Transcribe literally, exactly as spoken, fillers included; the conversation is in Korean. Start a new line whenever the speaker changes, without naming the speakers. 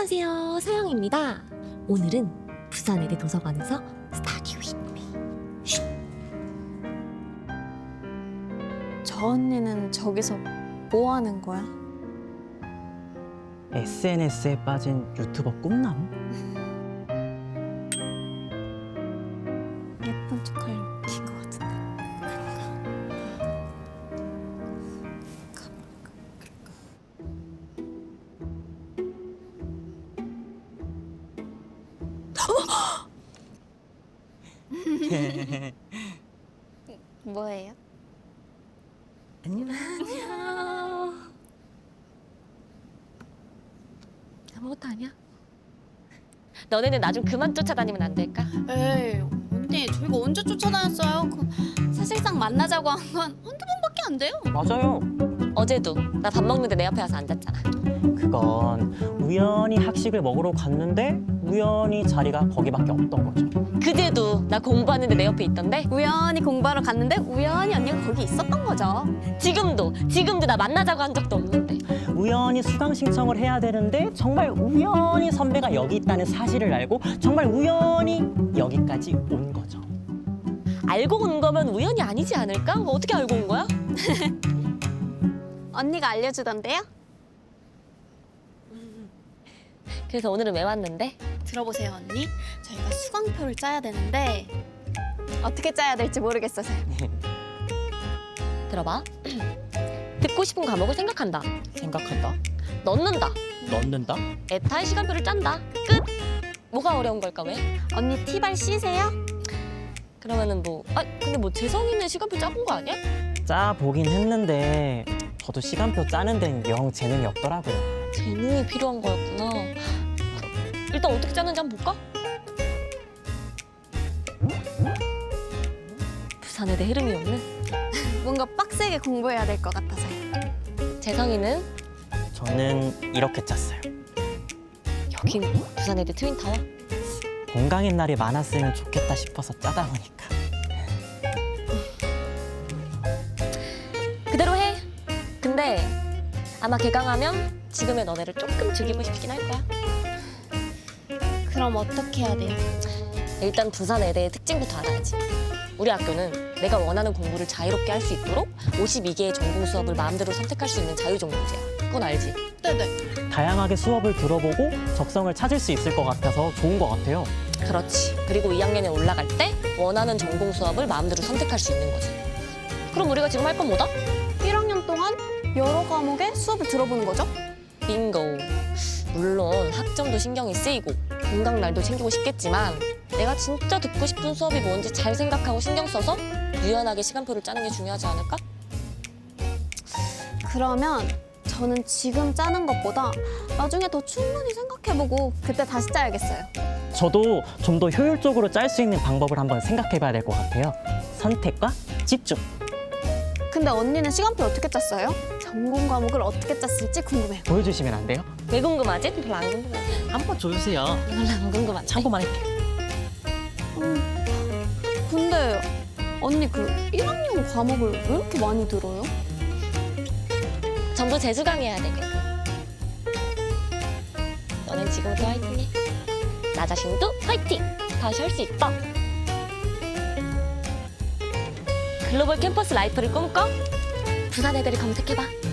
안녕하세요, 서영입니다. 오늘은 부산외대 도서관에서 스타디 윗 미.
저 언니는 저기서 뭐 하는 거야?
에스엔에스에 빠진 유튜버 꿈남?
예쁜 척할 웃긴 것 같은데. 뭐예요?
안녕. 아무것도 아니야. 너네는 나 좀 그만 쫓아다니면 안 될까?
에이 언니 저희가 언제 쫓아다녔어요? 그 사실상 만나자고 한 건 한두 번밖에 안 돼요.
맞아요.
어제도 나 밥 먹는데 내 옆에 와서 앉았잖아.
그건 우연히 학식을 먹으러 갔는데 우연히 자리가 거기밖에 없던 거죠.
그제도 나 공부하는데 내 옆에 있던데.
우연히 공부하러 갔는데 우연히 언니가 거기 있었던 거죠.
지금도 지금도 나 만나자고 한 적도 없는데.
우연히 수강 신청을 해야 되는데 정말 우연히 선배가 여기 있다는 사실을 알고 정말 우연히 여기까지 온 거죠.
알고 온 거면 우연이 아니지 않을까? 어떻게 알고 온 거야?
언니가 알려주던데요?
그래서 오늘은 왜 왔는데?
들어보세요 언니. 저희가 수강표를 짜야 되는데 어떻게 짜야 될지 모르겠어서.
들어봐. 듣고 싶은 과목을 생각한다.
생각한다.
넣는다.
넣는다.
에타의 시간표를 짠다. 끝. 뭐가 어려운 걸까 왜?
언니 티발 C세요?
그러면은 뭐, 아 근데 뭐 재성이는 시간표 짜본 거 아니야?
짜 보긴 했는데 저도 시간표 짜는 데는 영 재능이 없더라고요.
재능이 필요한 거였구나. 일단 어떻게 짜는지 한번 볼까? 부산외대 흐름이 없는
뭔가 빡세게 공부해야 될 것 같아서요.
재성이는
저는 이렇게 짰어요.
여긴 부산외대 트윈타워.
공강인 날이 많았으면 좋겠다 싶어서 짜다 보니까.
그대로 해. 근데 아마 개강하면 지금의 너네를 조금 즐기고 싶긴 할 거야.
그럼 어떻게 해야 돼요?
일단 부산외대의 특징부터 알아야지. 우리 학교는 내가 원하는 공부를 자유롭게 할 수 있도록 오십이 개의 전공 수업을 마음대로 선택할 수 있는 자유전공제야. 그건 알지?
네네.
다양하게 수업을 들어보고 적성을 찾을 수 있을 것 같아서 좋은 것 같아요.
그렇지. 그리고 이 학년에 올라갈 때 원하는 전공 수업을 마음대로 선택할 수 있는 거지. 그럼 우리가 지금 할 건 뭐다?
일 학년 동안 여러 과목의 수업을 들어보는 거죠?
빙고. 물론 학점도 신경이 쓰이고 공강날도 챙기고 싶겠지만 내가 진짜 듣고 싶은 수업이 뭔지 잘 생각하고 신경 써서 유연하게 시간표를 짜는 게 중요하지 않을까?
그러면 저는 지금 짜는 것보다 나중에 더 충분히 생각해보고 그때 다시 짜야겠어요.
저도 좀 더 효율적으로 짤 수 있는 방법을 한번 생각해봐야 될 것 같아요. 선택과 집중.
근데 언니는 시간표 어떻게 짰어요? 전공 과목을 어떻게 짰을지 궁금해요.
보여주시면 안 돼요?
왜 궁금하지? 별로 안 궁금해.
한번 줘주세요.
별로 안 궁금한데.
참고만 할게요.
음, 근데 언니 그 일 학년 과목을 왜 이렇게 많이 들어요?
전부 재수강해야 되거든. 너는 지금부터 화이팅해. 나 자신도 화이팅! 다시 할 수 있다. 글로벌 캠퍼스 라이프를 꿈꿔? 부산 애들을 검색해봐.